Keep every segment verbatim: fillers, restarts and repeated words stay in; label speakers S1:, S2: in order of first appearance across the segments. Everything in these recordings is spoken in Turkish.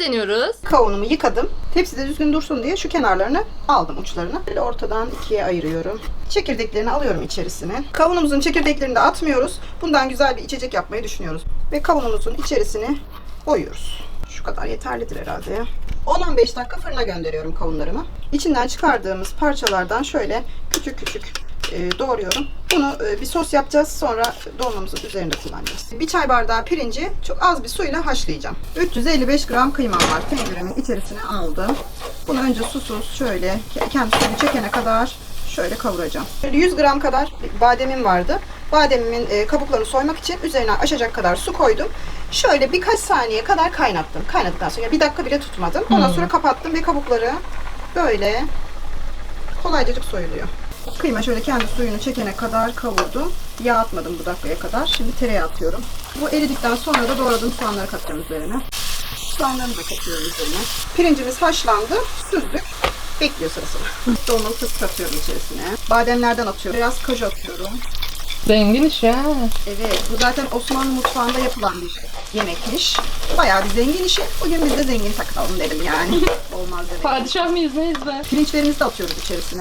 S1: deniyoruz.
S2: Kavunumu yıkadım. Tepside düzgün dursun diye şu kenarlarını aldım, uçlarını. Böyle ortadan ikiye ayırıyorum. Çekirdeklerini alıyorum içerisine. Kavunumuzun çekirdeklerini de atmıyoruz. Bundan güzel bir içecek yapmayı düşünüyoruz. Ve kavunumuzun içerisine koyuyoruz. Şu kadar yeterlidir herhalde ya. on on beş dakika fırına gönderiyorum kavunlarımı. İçinden çıkardığımız parçalardan şöyle küçük küçük e, doğruyorum. Bunu e, bir sos yapacağız. Sonra dolmamızın üzerinde kullanacağız. Bir çay bardağı pirinci çok az bir suyla haşlayacağım. üç yüz elli beş gram kıymam var. Tenceremin içerisine aldım. Bunu önce susuz şöyle kendi suyunu çekene kadar şöyle kavuracağım. yüz gram kadar bademim vardı. Bademimin e, kabuklarını soymak için üzerine aşacak kadar su koydum. Şöyle birkaç saniye kadar kaynattım. Kaynattıktan sonra bir dakika bile tutmadım. Ondan sonra kapattım ve kabukları böyle kolaycacık soyuluyor. Kıyma şöyle kendi suyunu çekene kadar kavurdum. Yağ atmadım bu dakikaya kadar. Şimdi tereyağı atıyorum. Bu eridikten sonra da doğradığım soğanları katacağım üzerine. Soğanlarını da katıyorum üzerine. Pirincimiz haşlandı. Süzdük. Bekliyor sırasını. Dolmalı fıstık atıyorum içerisine. Bademlerden atıyorum. Biraz kaju atıyorum.
S1: Zengin iş ya.
S2: Evet, bu zaten Osmanlı mutfağında yapılan bir yemekmiş. Bayağı bir zengin işi. Bugün biz de zengin takılalım dedim yani. Olmaz demek.
S1: Padişah mıyız neyiz be?
S2: Pirinçlerimizi de atıyoruz içerisine.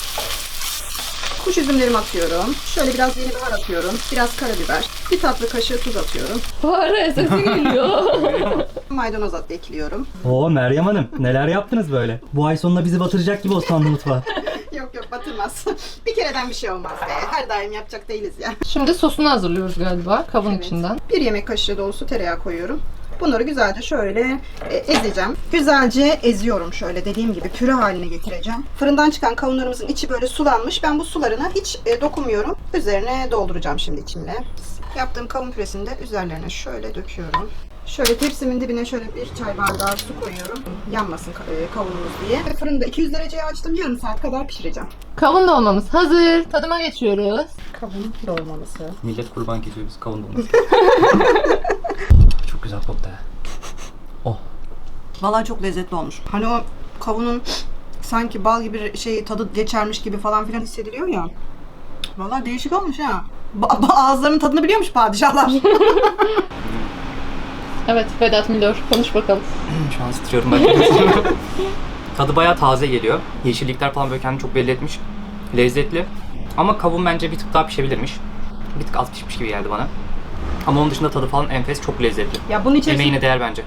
S2: Kuş üzümlerimi atıyorum. Şöyle biraz yeni bahar atıyorum. Biraz karabiber. Bir tatlı kaşığı tuz atıyorum.
S1: Fare sesi geliyor.
S2: Maydanoz at ekliyorum.
S3: Oo Meryem Hanım, neler yaptınız böyle? Bu ay sonunda bizi batıracak gibi Osmanlı mutfağı.
S2: Yok yok batırmaz. Bir kereden bir şey olmaz be. Her daim yapacak değiliz ya.
S1: Şimdi sosunu hazırlıyoruz galiba kavun
S2: Evet.
S1: içinden.
S2: Bir yemek kaşığı dolusu tereyağı koyuyorum. Bunları güzelce şöyle e, ezeceğim. Güzelce eziyorum şöyle dediğim gibi püre haline getireceğim. Fırından çıkan kavunlarımızın içi böyle sulanmış. Ben bu sularına hiç e, dokunmuyorum. Üzerine dolduracağım şimdi içimle. Yaptığım kavun püresini de üzerlerine şöyle döküyorum. Şöyle tepsimin dibine şöyle bir çay bardağı su koyuyorum. Yanmasın e, kavunumuz diye. Ve fırında iki yüz dereceye açtım. Yarım saat kadar pişireceğim.
S1: Kavun dolmamız hazır. Tadıma geçiyoruz.
S2: Kavun dolmalısı.
S3: Millet kurban kesiyoruz kavun dolması. Çok güzel koktu ha. Oh.
S2: Vallahi çok lezzetli olmuş. Hani o kavunun sanki bal gibi şey tadı geçermiş gibi falan filan hissediliyor ya. Vallahi değişik olmuş ha. Ba- ba- ağızlarının tadını biliyormuş padişahlar.
S1: Evet Vedat Milor konuş bakalım.
S4: Şu an titriyorum ben. Tadı bayağı taze geliyor. Yeşillikler falan böyle kendini çok belli etmiş. Lezzetli. Ama kavun bence bir tık daha pişebilirmiş. Bir tık az pişmiş gibi geldi bana. Ama onun dışında tadı falan enfes, çok lezzetli.
S2: Ya bunun içerisinde
S4: Emeğine değer bence.